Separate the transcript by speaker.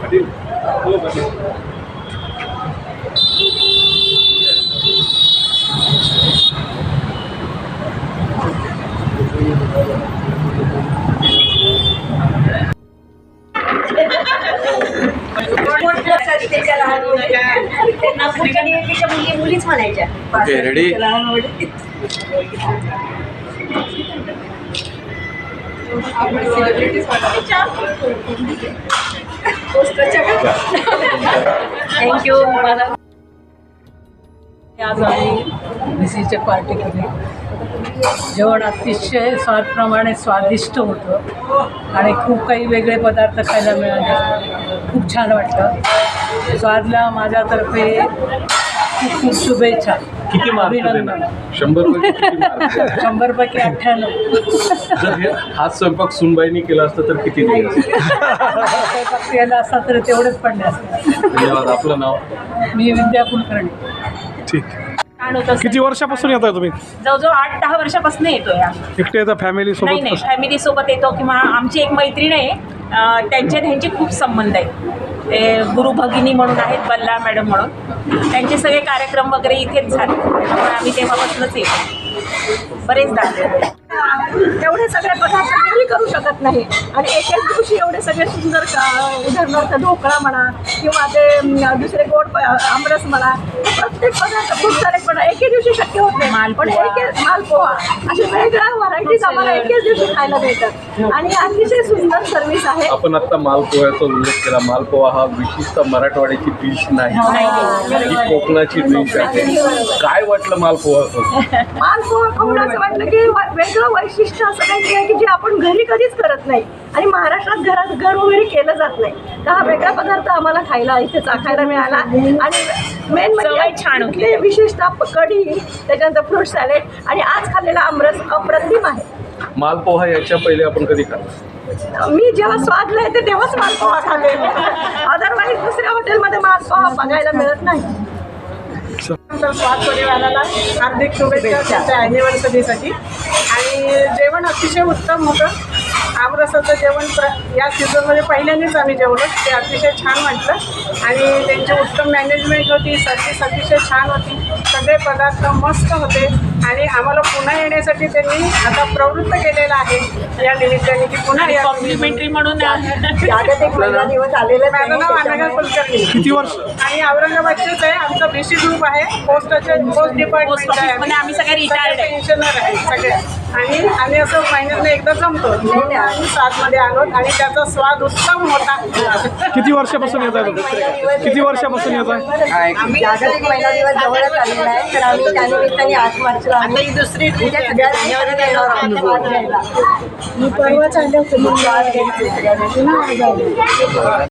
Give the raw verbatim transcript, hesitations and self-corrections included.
Speaker 1: मुलीच म्हणायच्या.
Speaker 2: Okay ready.
Speaker 1: Thank you.
Speaker 3: आज आम्ही मिसीच्या पार्टी केली. जेवण अतिशय स्वादप्रमाणे स्वादिष्ट होतं आणि खूप काही वेगळे पदार्थ खायला मिळाले. खूप छान वाटलं. स्वादला माझ्यातर्फे खूप खूप शुभेच्छा.
Speaker 2: किती मार्क
Speaker 3: अभिनंदन.
Speaker 2: शंभर पैकी किती मार्क?
Speaker 3: शंभर पैकी अठ्ठ्याण्णव.
Speaker 2: जर हे हाच स्वयंपाक सुनबाईंनी केला असतं तर किती दिले असते?
Speaker 3: स्वयंपाक केला असता तर तेवढेच पडले असते.
Speaker 2: धन्यवाद. आपलं नाव?
Speaker 3: मी विद्या कुलकर्णी.
Speaker 4: ठीक.
Speaker 5: छान होतं.
Speaker 4: किती वर्षापासून येताय तुम्ही?
Speaker 5: जवळजवळ आठ दहा वर्षापासून येतोय आम्ही.
Speaker 4: एकटे येता फॅमिली
Speaker 5: नाही
Speaker 4: सोबत?
Speaker 5: नाही फॅमिली सोबत येतो किंवा आमची एक मैत्रीण आहे, अं, त्यांचे त्यांचे खूप संबंध आहेत. ते गुरु भगिनी म्हणून आहेत, बल्ला मॅडम म्हणून. त्यांचे सगळे कार्यक्रम वगैरे इथेच झाले, त्यामुळे आम्ही तेव्हापासूनच येतो. बरेच झाले.
Speaker 1: एवढे सगळे पदार्थ कोणी करू शकत नाही आणि एक एक दिवशी एवढे सगळे सुंदर का- उदाहरणार्थ ढोकळा म्हणा किंवा ते अं, दुसरे गोड प- आमरस म्हणा, प्रत्येक पदार्थ खूप सारे पण एके दिवशी शक्य होत नाही. पण एक एक मालपोहा अशा वेगळ्या व्हरायटीज आम्हाला एकेच दिवशी खायला मिळतात आणि अतिशय सुंदर सर्व्हिस आहे.
Speaker 2: आपण आता मालपोह्याचा उल्लेख केला. मालपोहा हा विशिष्ट मराठवाड्याची डिश नाही, ही कोकणाची डिश आहे. काय वाटलं मालपोहा?
Speaker 1: मालपोहा खाऊन असं वाटलं की व- वेगळं वैशिष्ट्य असं काही आहे की जे आपण घरी कधीच करत नाही आणि महाराष्ट्रात घरात घरोघरी केलं जात नाही. तर हा वेगळा पदार्थ आम्हाला खायला इथे चाखायला मिळाला आणि मेन
Speaker 5: चवही छान होती.
Speaker 1: म्हणजे विशेषतः कढी, त्याच्यानंतर फ्रूट सॅलेड आणि आज खाल्लेला आमरस अप्रतिम आहे.
Speaker 2: मालपोहा याच्या पहिले आपण कधी खाल्ला?
Speaker 1: मी जेव्हा स्वादला येते तेव्हाच मालपोहा खाते. अदरवाईज दुसऱ्या हॉटेलमध्ये मालपोहा बघायला मिळत नाही.
Speaker 6: तर स्वाद परिवाराला हार्दिक शुभेच्छा त्याच्या ॲनिव्हर्सरीसाठी. आणि जेवण अतिशय उत्तम होतं. आमरसाचं जेवण प्र या सीझनमध्ये पहिल्यांदाच आम्ही जेवलो. ते अतिशय छान वाटलं आणि त्यांची उत्तम मॅनेजमेंट होती. सर्विस अतिशय छान होती. सगळे पदार्थ मस्त होते आणि आम्हाला पुन्हा येण्यासाठी त्यांनी आता प्रवृत्त केलेलं आहे या निमित्ताने की पुन्हा या.
Speaker 5: कॉम्प्लिमेंटरी म्हणून
Speaker 1: जागतिक महिला दिवस आलेले
Speaker 6: माझं नाव अनघा कुलकर्णी
Speaker 4: किती वर्ष?
Speaker 6: आणि औरंगाबादचेच आहे. आमचा बीसी ग्रुप आहे. पोस्टाचे पोस्ट डिपार्टमेंट आहे.
Speaker 5: म्हणजे आम्ही सगळे रिटायर्ड आहे.
Speaker 6: पेन्शनर आहे सगळे. आणि आम्ही असं महिन्यातनं एकदा जमतो. आम्ही सातमध्ये आलो आणि त्याचा स्वाद उत्तम होता.
Speaker 4: किती वर्षापासून येत आहे तुम्ही? किती वर्षापासून येत आहे?
Speaker 1: जागतिक महिला दिवस जवळच आलेला आहे तर आम्ही त्यानिमित्ताने आठ मार्चला आम्ही दुसरी परवाच आले होते.